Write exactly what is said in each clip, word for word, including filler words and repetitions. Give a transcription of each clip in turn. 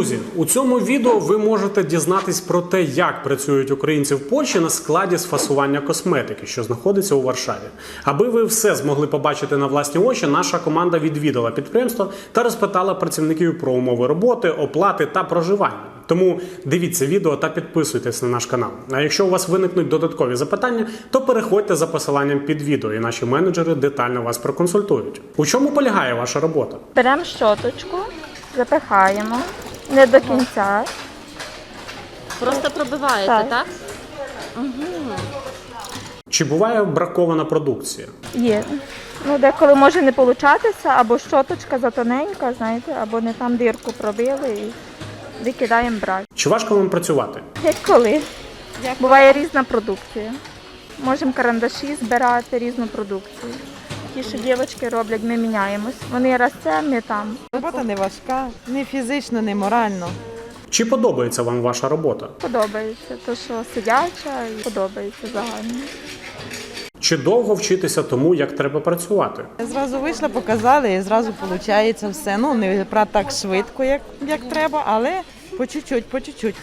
Друзі, у цьому відео ви можете дізнатись про те, як працюють українці в Польщі на складі з фасування косметики, що знаходиться у Варшаві. Аби ви все змогли побачити на власні очі, наша команда відвідала підприємство та розпитала працівників про умови роботи, оплати та проживання. Тому дивіться відео та підписуйтесь на наш канал. А якщо у вас виникнуть додаткові запитання, то переходьте за посиланням під відео, і наші менеджери детально вас проконсультують. У чому полягає ваша робота? Беремо щоточку, запихаємо, не до кінця. Просто пробиваєте, так? Так. Угу. Чи буває бракована продукція? Є. Ну, деколи може не получатися, або щоточка затоненька, знаєте, або не там дірку пробили і викидаємо брак. Чи важко вам працювати? Як коли. Буває різна продукція. Можемо карандаші збирати, різну продукцію. Ті, що дівчатки роблять, ми міняємось. Вони раз це, ми там. Робота не важка, ні фізично, ні морально. Чи подобається вам ваша робота? Подобається, то що сидяча і подобається загально. Чи довго вчитися тому, як треба працювати? Зразу вийшла, показали і зразу виходить все. Ну, не про так швидко, як, як треба, але по чуть-чуть, по чуть-чуть.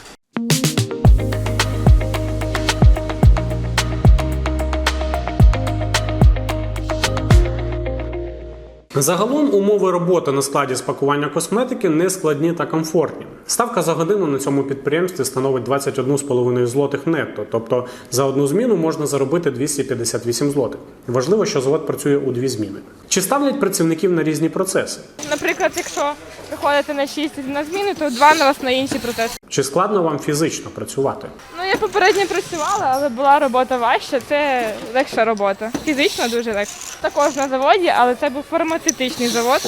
Загалом умови роботи на складі з пакування косметики не складні та комфортні. Ставка за годину на цьому підприємстві становить двадцять одну з половиною злотих нетто, тобто за одну зміну можна заробити двісті п'ятдесят вісім злотих. Важливо, що завод працює у дві зміни. Чи ставлять працівників на різні процеси? Наприклад, якщо приходите на шість на зміну, то два на вас на інші процеси. Чи складно вам фізично працювати? Ну, я попередньо працювала, але була робота важча, це легша робота. Фізично дуже легше. Також на заводі, але це був фармацевтичний завод.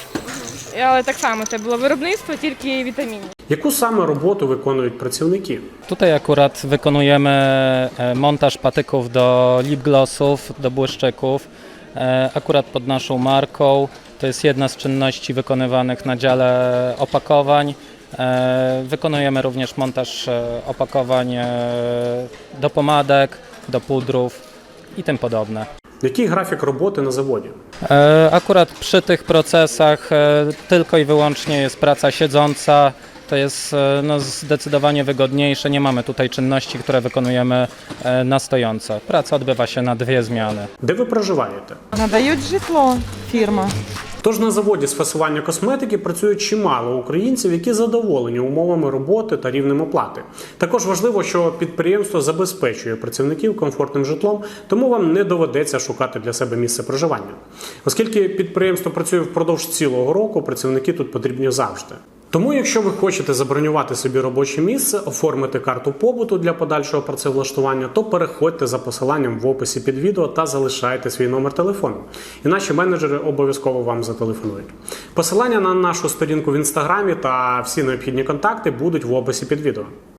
Але так само це було виробництво, тільки вітамінів. Яку саме роботу виконують працівники? Tutaj akurat wykonujemy e, montaż patyków do lip-glossów, do błyszczyków, e, akurat pod naszą marką. To jest jedna z czynności wykonywanych na dziale opakowań. E, Wykonujemy również montaż e, opakowań e, do pomadek, do pudrów i tym podobne. Який графік роботи на заводі? E, Akurat przy tych procesach e, tylko i wyłącznie jest praca siedząca. To jest e, no, zdecydowanie wygodniejsze. Nie mamy tutaj czynności, które wykonujemy e, na stojąco. Praca odbywa się na dwie zmiany. Де ви проживаєте? Надають житло фірма. Тож на заводі з фасування косметики працює чимало українців, які задоволені умовами роботи та рівнем оплати. Також важливо, що підприємство забезпечує працівників комфортним житлом, тому вам не доведеться шукати для себе місце проживання. Оскільки підприємство працює впродовж цілого року, працівники тут потрібні завжди. Тому, якщо ви хочете забронювати собі робоче місце, оформити карту побуту для подальшого працевлаштування, то переходьте за посиланням в описі під відео та залишайте свій номер телефону. І наші менеджери обов'язково вам зателефонують. Посилання на нашу сторінку в інстаграмі та всі необхідні контакти будуть в описі під відео.